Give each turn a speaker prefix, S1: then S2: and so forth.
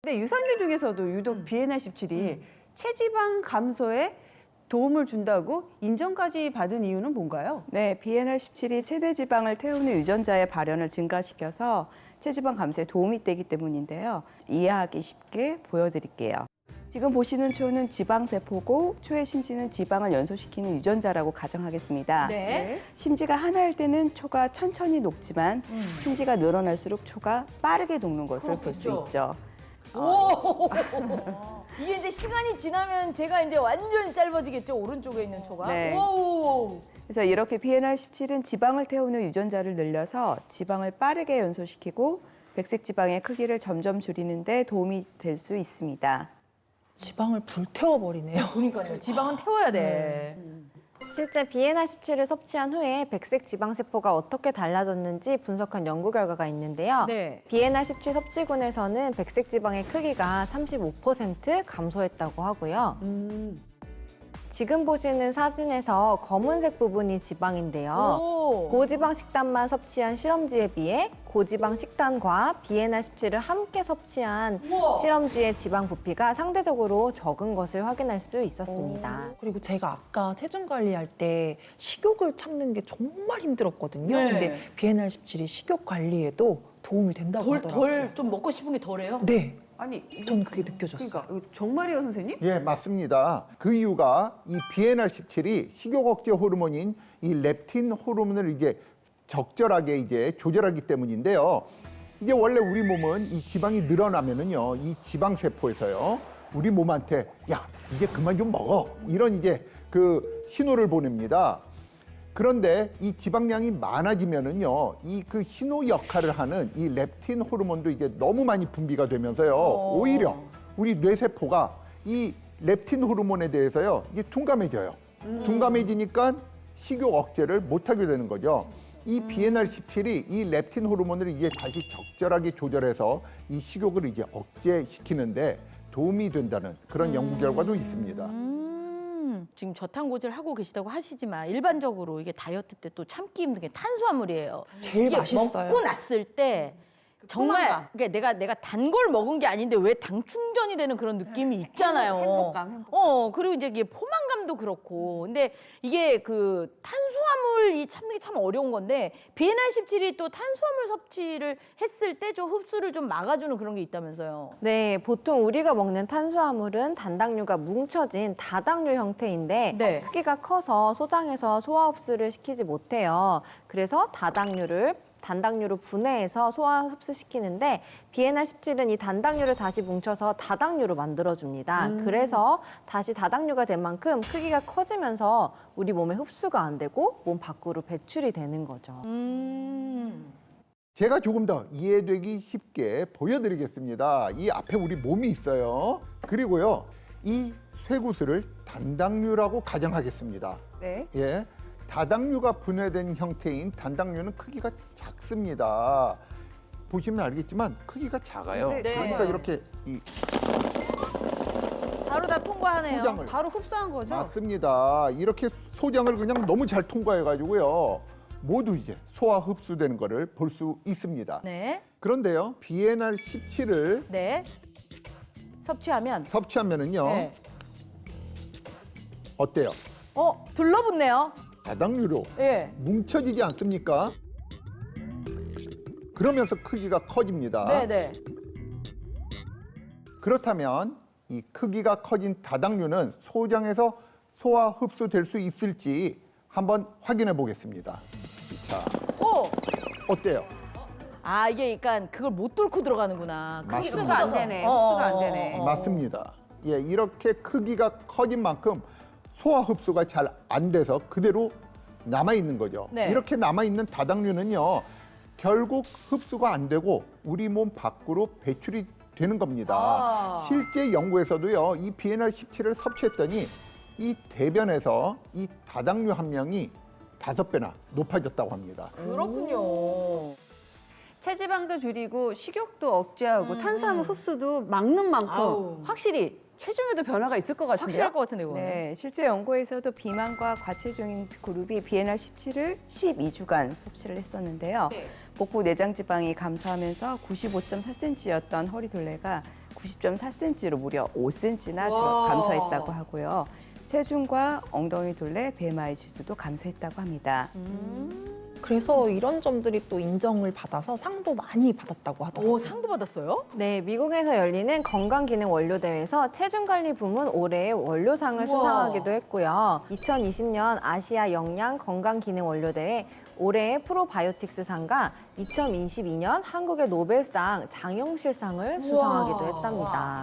S1: 근데 유산균 중에서도 유독 비엔알17이 체지방 감소에 도움을 준다고 인정까지 받은 이유는 뭔가요?
S2: 네, 비엔알17이 체내 지방을 태우는 유전자의 발현을 증가시켜서 체지방 감소에 도움이 되기 때문인데요. 이해하기 쉽게 보여드릴게요. 지금 보시는 초는 지방세포고 초의 심지는 지방을 연소시키는 유전자라고 가정하겠습니다.
S3: 네.
S2: 심지가 하나일 때는 초가 천천히 녹지만 심지가 늘어날수록 초가 빠르게 녹는 것을 볼 수
S3: 그렇겠죠.
S2: 있죠.
S3: 오! 이게 이제 시간이 지나면 제가 이제 완전히 짧아지겠죠? 오른쪽에 있는 초가.
S2: 네.
S3: 오!
S2: 그래서 이렇게 비엔알17은 지방을 태우는 유전자를 늘려서 지방을 빠르게 연소시키고 백색 지방의 크기를 점점 줄이는 데 도움이 될 수 있습니다.
S4: 지방을 불태워버리네요.
S3: 그러니까요. 지방은 태워야 돼.
S5: 실제 비엔알17을 섭취한 후에 백색 지방세포가 어떻게 달라졌는지 분석한 연구 결과가 있는데요.
S3: 네.
S5: 비엔알17 섭취군에서는 백색 지방의 크기가 35% 감소했다고 하고요. 지금 보시는 사진에서 검은색 부분이 지방인데요.
S3: 오.
S5: 고지방 식단만 섭취한 실험지에 비해 고지방 식단과 비엔알17을 함께 섭취한
S3: 우와.
S5: 실험지의 지방 부피가 상대적으로 적은 것을 확인할 수 있었습니다.
S4: 그리고 제가 아까 체중 관리할 때 식욕을 참는 게 정말 힘들었거든요.
S3: 네.
S4: 근데 비엔알17이 식욕 관리에도 도움이 된다고 하더라고요.
S3: 덜 좀 먹고 싶은 게 덜해요?
S4: 네,
S1: 아니,
S4: 저는 그게 느껴졌어요.
S1: 그러니까 이거 정말이에요, 선생님?
S6: 예, 맞습니다. 그 이유가 이 비엔알17이 식욕 억제 호르몬인 이 렙틴 호르몬을 이제 적절하게 이제 조절하기 때문인데요. 이게 원래 우리 몸은 이 지방이 늘어나면은요, 이 지방 세포에서요, 우리 몸한테 야, 이제 그만 좀 먹어. 이런 이제 그 신호를 보냅니다. 그런데 이 지방량이 많아지면은요, 이 그 신호 역할을 하는 이 렙틴 호르몬도 이제 너무 많이 분비가 되면서요, 오히려 우리 뇌세포가 이 렙틴 호르몬에 대해서요, 이게 둔감해져요. 둔감해지니까 식욕 억제를 못하게 되는 거죠. 이 비엔알17이 이 렙틴 호르몬을 이제 다시 적절하게 조절해서 이 식욕을 이제 억제시키는데 도움이 된다는 그런 연구 결과도 있습니다.
S3: 지금 저탄고지를 하고 계시다고 하시지만 일반적으로 이게 다이어트 때 또 참기 힘든 게 탄수화물이에요.
S4: 제일
S3: 이게
S4: 맛있어요.
S3: 먹고 났을 때 정말
S1: 포만감.
S3: 그러니까 내가 단 걸 먹은 게 아닌데 왜 당 충전이 되는 그런 느낌이 있잖아요.
S1: 행복감.
S3: 그리고 이제 이게 포만감도 그렇고. 근데 이게 그 탄수화물 이 참는 게 참 어려운 건데 비엔알17이 또 탄수화물 섭취를 했을 때 좀 흡수를 좀 막아주는 그런 게 있다면서요.
S5: 네, 보통 우리가 먹는 탄수화물은 단당류가 뭉쳐진 다당류 형태인데
S3: 네.
S5: 크기가 커서 소장에서 소화 흡수를 시키지 못해요. 그래서 단당류로 분해해서 소화 흡수시키는데 비엔알17은 이 단당류를 다시 뭉쳐서 다당류로 만들어줍니다. 그래서 다시 다당류가 된 만큼 크기가 커지면서 우리 몸에 흡수가 안 되고 몸 밖으로 배출이 되는 거죠.
S6: 제가 조금 더 이해되기 쉽게 보여드리겠습니다. 이 앞에 우리 몸이 있어요. 그리고요, 이 쇠구슬을 단당류라고 가정하겠습니다.
S1: 네.
S6: 예, 다당류가 분해된 형태인 단당류는 크기가 작습니다. 보시면 알겠지만 크기가 작아요.
S1: 네,
S6: 그러니까
S1: 작아요.
S6: 이렇게 이
S3: 바로 다 통과하네요.
S6: 소장을
S1: 바로 흡수한 거죠?
S6: 맞습니다. 이렇게 소장을 그냥 너무 잘 통과해가지고요, 모두 이제 소화 흡수되는 거를 볼 수 있습니다.
S3: 네.
S6: 그런데요, 비엔알17을
S3: 네. 섭취하면
S6: 섭취하면은요,
S3: 네.
S6: 어때요?
S3: 들러붙네요.
S6: 다당류로
S3: 예.
S6: 뭉쳐지지 않습니까? 그러면서 크기가 커집니다.
S3: 네네.
S6: 그렇다면 이 크기가 커진 다당류는 소장에서 소화 흡수될 수 있을지 한번 확인해 보겠습니다. 자,
S3: 오!
S6: 어때요?
S3: 아, 이게 그러니까 그걸 못 뚫고 들어가는구나. 크기가
S6: 맞습니다.
S1: 흡수가 안
S3: 커져서.
S1: 되네. 흡수가 안 되네.
S6: 맞습니다. 예, 이렇게 크기가 커진 만큼 소화 흡수가 잘 안 돼서 그대로 남아 있는 거죠.
S3: 네.
S6: 이렇게 남아 있는 다당류는요, 결국 흡수가 안 되고 우리 몸 밖으로 배출이 되는 겁니다.
S3: 아.
S6: 실제 연구에서도요, 이 비엔알17을 섭취했더니 이 대변에서 이 다당류 함량이 5배나 높아졌다고 합니다.
S3: 그렇군요.
S1: 체지방도 줄이고 식욕도 억제하고 탄수화물 흡수도 막는 만큼
S3: 아우.
S1: 확실히 체중에도 변화가 있을 것 같은데요?
S3: 확실할 것 같은데, 이거.
S2: 네, 실제 연구에서도 비만과 과체중인 그룹이 비엔알17을 12주간 섭취를 했었는데요. 복부 내장 지방이 감소하면서 95.4cm였던 허리 둘레가 90.4cm로 무려 5cm나 감소했다고 하고요. 체중과 엉덩이 둘레 BMI 지수도 감소했다고 합니다.
S4: 그래서 이런 점들이 또 인정을 받아서 상도 많이 받았다고 하더라고요.
S3: 오, 상도 받았어요?
S5: 네, 미국에서 열리는 건강기능 원료대회에서 체중관리 부문 올해의 원료상을 수상하기도 했고요. 2020년 아시아 영양 건강기능 원료대회 올해의 프로바이오틱스상과 2022년 한국의 노벨상 장영실상을 수상하기도 했답니다.